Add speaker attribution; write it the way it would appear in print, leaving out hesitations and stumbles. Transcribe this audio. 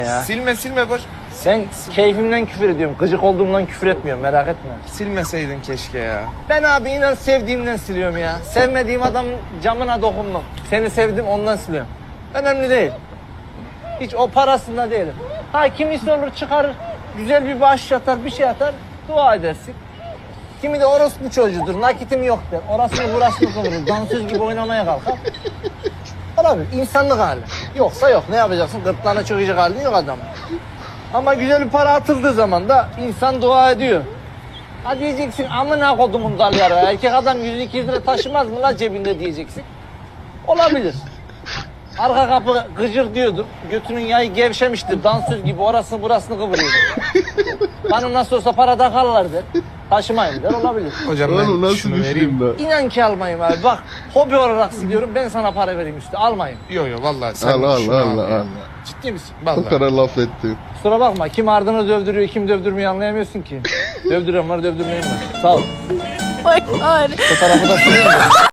Speaker 1: Ya.
Speaker 2: Silme boş.
Speaker 1: Sen keyfimden küfür ediyorum. Gıcık olduğumdan küfür etmiyorum, merak etme.
Speaker 2: Silmeseydin keşke ya.
Speaker 1: Ben abi inan sevdiğimden siliyorum ya. Sevmediğim adamın camına dokundum. Seni sevdim ondan siliyorum. Önemli değil. Hiç o parasında değilim. Ha kimisi olur çıkarır, güzel bir bağış atar, bir şey atar, dua edersin. Kimi de orospu çocuğudur, nakitim yok der. Orasını burasını kıvırır, dansöz gibi oynamaya kalkar. Olabilir, insanlık hali. Yoksa yok, ne yapacaksın? Gırtlağına çökecek halin yok adamın. Ama güzel bir para atıldığı zaman da insan dua ediyor. Ha diyeceksin, amına kodumun dalyarı. Erkek adam 100-200 lira taşımaz mı la cebinde diyeceksin. Olabilir. Arka kapı gıcır diyordur. Götünün yayı gevşemiştir. Dansöz gibi orasını burasını kıvırıyor. Bana nasıl olsa para takarlar der. Taşımayın der, olabilir.
Speaker 2: Hocam
Speaker 3: Oğlum
Speaker 2: ben
Speaker 3: nasıl
Speaker 2: şunu
Speaker 3: düşeyim
Speaker 2: vereyim.
Speaker 3: ben?
Speaker 1: İnan ki almayayım abi. Bak hobi olarak siliyorum, ben sana para vereyim üstü. Almayın.
Speaker 2: Yo vallahi sen
Speaker 3: Allah
Speaker 2: şunu
Speaker 3: Allah
Speaker 2: al
Speaker 3: Allah
Speaker 2: ya.
Speaker 3: Allah.
Speaker 1: Ciddi misin?
Speaker 3: Bu
Speaker 2: Vallahi.
Speaker 3: kadar laf ettin.
Speaker 1: Kusura bakma. Kim ardını dövdürüyor, kim dövdürmüyor anlayamıyorsun ki. Dövdüren var, dövdürmeyen var. Sağ ol.
Speaker 4: Oh my god.
Speaker 1: Bu tarafı da sileyim mi?